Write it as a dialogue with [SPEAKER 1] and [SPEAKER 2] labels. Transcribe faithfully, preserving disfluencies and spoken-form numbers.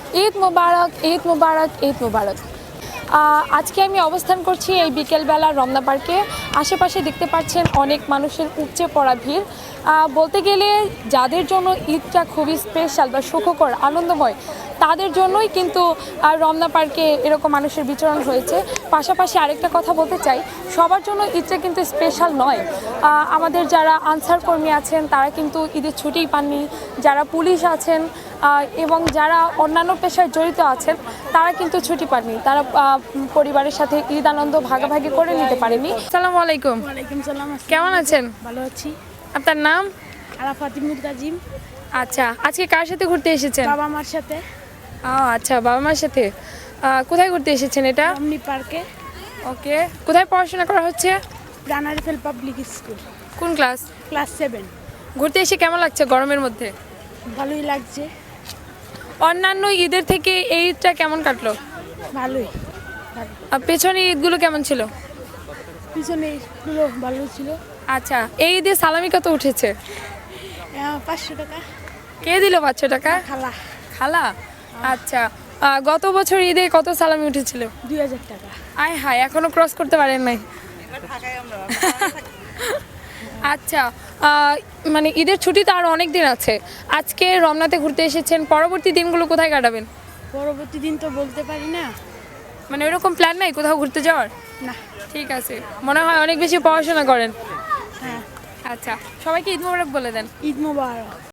[SPEAKER 1] ঈদ মোবারক, ঈদ মোবারক, ঈদ মোবারক। আজকে আমি অবস্থান করছি এই বিকেলবেলা রমনা পার্কে। আশেপাশে দেখতে পাচ্ছেন অনেক মানুষের উপচে পড়া ভিড়। বলতে গেলে যাদের জন্য ঈদটা খুবই স্পেশাল বা সুখকর আনন্দময়, তাদের জন্যই কিন্তু রমনা পার্কে এরকম মানুষের বিচরণ হয়েছে। পাশাপাশি আরেকটা কথা বলতে চাই, সবার জন্য ঈদটা কিন্তু স্পেশাল নয়। আমাদের যারা আনসার কর্মী আছেন তারা কিন্তু ঈদের ছুটিই পাননি, যারা পুলিশ আছেন এবং যারা অন্যান্য পেশায় জড়িত আছেন তারা কিন্তু ছুটি পাননি, তারা পরিবারের সাথে ঈদ আনন্দ ভাগাভাগি করে নিতে পারেনি। আসসালামু আলাইকুম।
[SPEAKER 2] ওয়ালাইকুম সালাম।
[SPEAKER 1] কেমন আছেন?
[SPEAKER 2] ভালো আছি।
[SPEAKER 1] আপনার নাম?
[SPEAKER 2] আরাফাত মুতাজিম।
[SPEAKER 1] আচ্ছা, আজকে কার সাথে ঘুরতে এসেছেন?
[SPEAKER 2] বাবা মার সাথে।
[SPEAKER 1] ও আচ্ছা, বাবা মার সাথে। কোথায় ঘুরতে এসেছেন এটা?
[SPEAKER 2] রমনি পার্কে।
[SPEAKER 1] ওকে, কোথায় পড়াশোনা করা হচ্ছে?
[SPEAKER 2] প্রাণারিফেল পাবলিক স্কুল।
[SPEAKER 1] কোন ক্লাস?
[SPEAKER 2] Class seven.
[SPEAKER 1] ঘুরতে এসে কেমন লাগছে গরমের মধ্যে?
[SPEAKER 2] ভালোই লাগছে।
[SPEAKER 1] অন্যান্য ঈদের থেকে এই ঈদটা কেমন কাটলো?
[SPEAKER 2] ভালোই।
[SPEAKER 1] আর পেছনে ঈদগুলো কেমন ছিল?
[SPEAKER 2] পিছনে ঈদগুলো ভালো ছিল।
[SPEAKER 1] আচ্ছা, এই ঈদে সালামি কত উঠেছে?
[SPEAKER 2] পাঁচশো টাকা।
[SPEAKER 1] কে দিল পাঁচশো টাকা?
[SPEAKER 2] খালা।
[SPEAKER 1] খালা? আচ্ছা, গত বছর ঈদে কত সালামি উঠেছিল?
[SPEAKER 2] দুই হাজার টাকা।
[SPEAKER 1] আয় হায়, এখনো ক্রস করতে পারেন নাই। আচ্ছা, মানে ঈদের ছুটি তো আরও অনেক দিন আছে। আজকে রমনাতে ঘুরতে এসেছেন, পরবর্তী দিনগুলো কোথায় কাটাবেন?
[SPEAKER 2] পরবর্তী দিন তো বলতে পারি না।
[SPEAKER 1] মানে ওরকম প্ল্যান নাই কোথাও ঘুরতে যাওয়ার?
[SPEAKER 2] না।
[SPEAKER 1] ঠিক আছে, মনে হয় অনেক বেশি পড়াশোনা করেন।
[SPEAKER 2] হ্যাঁ।
[SPEAKER 1] আচ্ছা, সবাইকে ঈদ মোবারক বলে দেন।
[SPEAKER 2] ঈদ মোবারক।